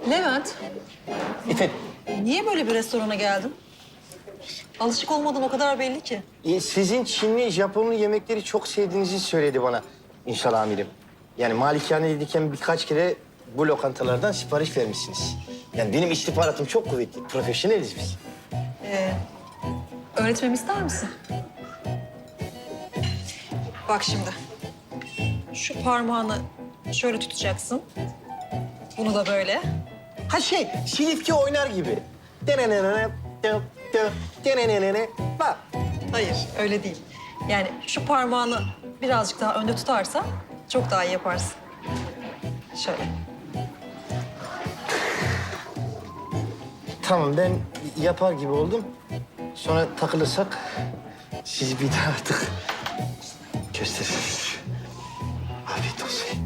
Levent, Efendim, niye böyle bir restorana geldin? Alışık olmadığın o kadar belli ki. sizin Çinli, Japonlu yemekleri çok sevdiğinizi söyledi bana İnşal amirim. Yani malikane'deyken birkaç kere bu lokantalardan sipariş vermişsiniz. Yani benim istihbaratım çok kuvvetli, profesyoneliz biz. Öğretmemi ister misin? Bak şimdi. Şu parmağını şöyle tutacaksın. Bunu da böyle. Ha Silifke oynar gibi. Denenene, denenene, bak. Hayır, öyle değil. Yani şu parmağını birazcık daha önde tutarsan çok daha iyi yaparsın. Şöyle. Tamam, ben yapar gibi oldum. Sonra takılırsak siz bir daha artık gösterirsiniz. Afiyet olsun.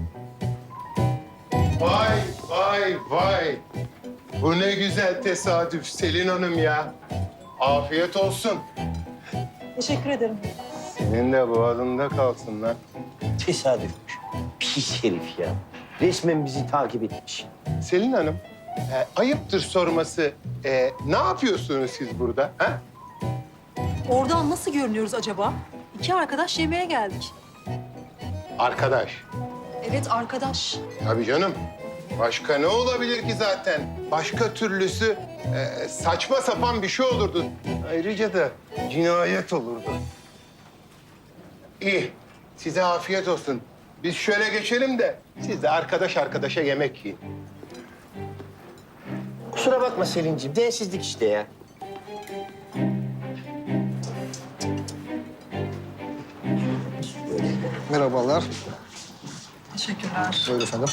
Vay vay vay. Bu ne güzel tesadüf Selin Hanım ya. Afiyet olsun. Teşekkür ederim. Senin de boğazında kalsın lan. Tesadüfmüş. Pis herif ya. Resmen bizi takip etmiş. Selin Hanım, ayıptır sorması. Ne yapıyorsunuz siz burada? Ha? Oradan nasıl görünüyoruz acaba? İki arkadaş yemeğe geldik. Arkadaş. Evet, arkadaş. Tabii canım. Başka ne olabilir ki zaten? Başka türlüsü saçma sapan bir şey olurdu. Ayrıca da cinayet olurdu. İyi. Size afiyet olsun. Biz şöyle geçelim de siz de arkadaş arkadaşa yemek yiyin. Kusura bakma Selin'ciğim, densizlik işte ya. Merhabalar. Teşekkürler. Buyurun efendim.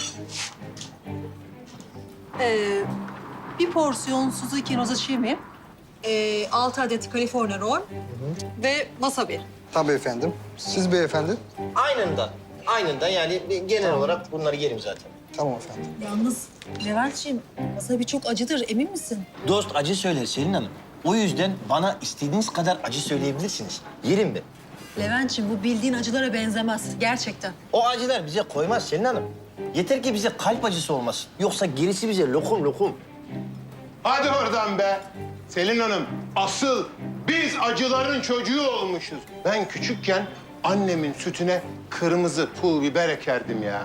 Bir porsiyon Suzuki Nozochimi, 6 adet California roll ve wasabi. Tabii efendim. Siz beyefendi. Aynında yani genel olarak bunları yerim zaten. Tamam efendim. Yalnız Levent'ciğim, wasabi çok acıdır, emin misin? Dost acı söyler Selin Hanım. O yüzden bana istediğiniz kadar acı söyleyebilirsiniz. Yerim ben. Levent'ciğim, bu bildiğin acılara benzemez gerçekten. O acılar bize koymaz Selin Hanım. Yeter ki bize kalp acısı olmasın. Yoksa gerisi bize lokum lokum. Hadi oradan be. Selin Hanım, asıl biz acıların çocuğu olmuşuz. Ben küçükken annemin sütüne kırmızı pul biber ekerdim ya.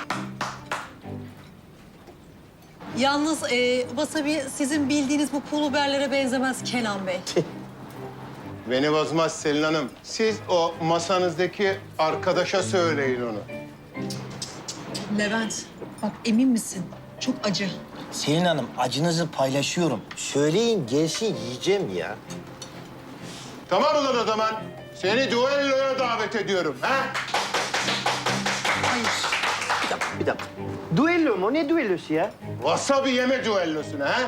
Yalnız wasabi sizin bildiğiniz bu pul biberlere benzemez Kenan Bey. Beni bozmaz Selin Hanım. Siz o masanızdaki arkadaşa söyleyin onu. Levent, bak emin misin? Çok acı. Selin Hanım acınızı paylaşıyorum. Söyleyin gelsin yiyeceğim ya. Tamam ulan o zaman. Seni düelloya davet ediyorum. Ha? Hayır. Bir dakika. Düello mu? Ne düellosu ya? Wasabi yeme düellosuna ha?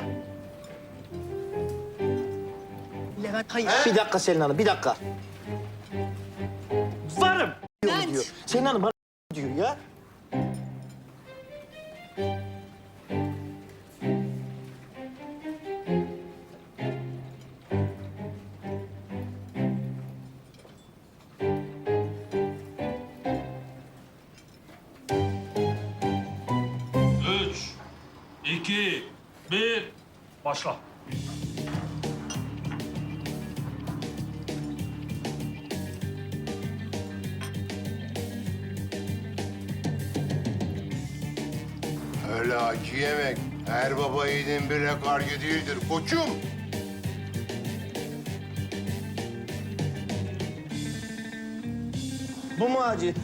Levent, hayır. Bir dakika Selin Hanım, bir dakika. Varım Levent. diyor. Selin Hanım bana diyor ya. Üç, iki, bir, başla. Öyle acı yemek her baba yiğidin bile kargı değildir koçum. Bu mu acı?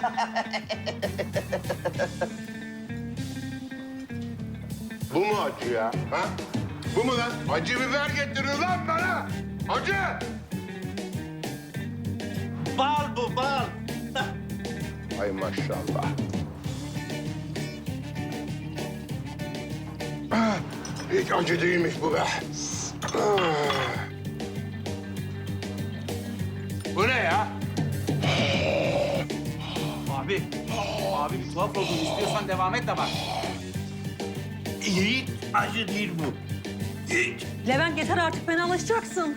Bu mu acı ya? Ha? Bu mu lan? Acı biber getirin lan bana. Acı. Bal bu, bal. Ay maşallah. Ah, hiç acı değilmiş bu be. Ah. Bu ne ya? Abi bir tuhaf oldun. İstiyorsan devam et de bak. Hiç acı değil bu. Hiç. Levent yeter artık, fenalaşacaksın.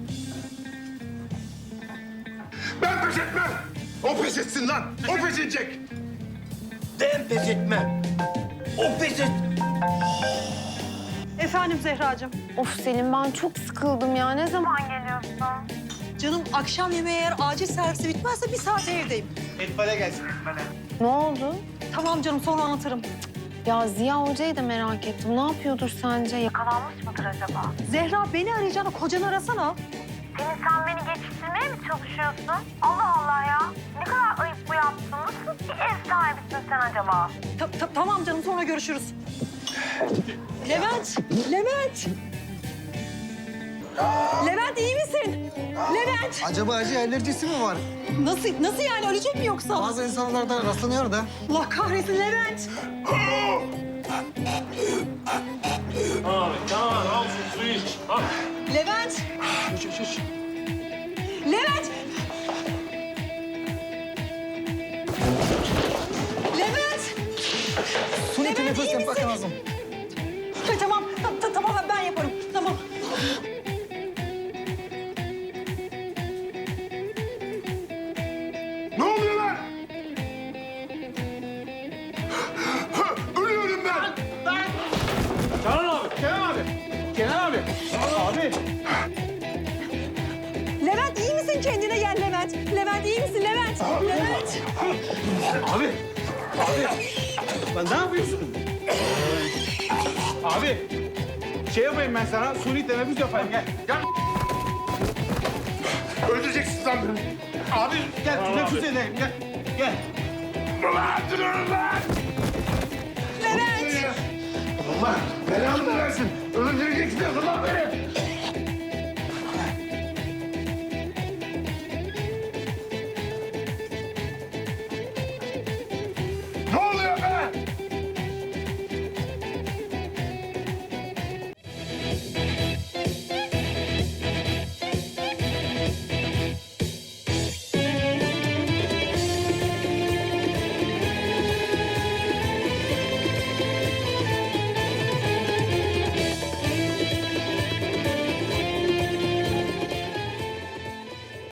Ben pes etmem. O pes etsin lan. O pes edecek. Ben pes etmem. O pes et. Efendim Zehracığım. Of Selim ben çok sıkıldım ya. Ne zaman geliyorsun? Canım akşam yemeği eğer acil servisi bitmezse bir saate evdeyim. Ne oldu? Tamam canım sonra anlatırım. Ya Ziya Hoca'yı da merak ettim. Ne yapıyordur sence? Yakalanmış mıdır acaba? Zehra beni arayacağına kocanı arasana. Pelin sen beni geçiştirmeye mi çalışıyorsun? Allah Allah ya. Ne kadar ayıp bu yaptın. Nasıl bir ev sahibisin sen acaba? Tamam canım sonra görüşürüz. Levent! Levent! Levent iyi misin? Levent! Acaba acı alerjisi mi var? Nasıl yani ölecek mi yoksa? Bazı insanlarda rastlanıyor da. Allah kahretsin Levent! Abi tamam al şu suyu iç. Al. Levent! Levent! Levent! Suni Levent, teneffüs iyi yapmak misin? lazım. Tamam, tamam ben yaparım. Tamam. Ne oluyor lan? Ölüyorum ben. Canan abi. Kenan abi. Kenan abi. Abi. Levent iyi misin? Kendine gel Levent. Levent iyi misin Levent? Levent! Abi. Abi. Lan ne yapıyorsun? Abi. Şey yapayım ben sana. Suni teneffüs yapayım. Gel. Gel. Öldüreceksin lan beni. Abi gel teneffüs edeyim. Gel. Gel. Ulan durun lan. Levent! Allah belanı versin. Öldüreceksin lan beni.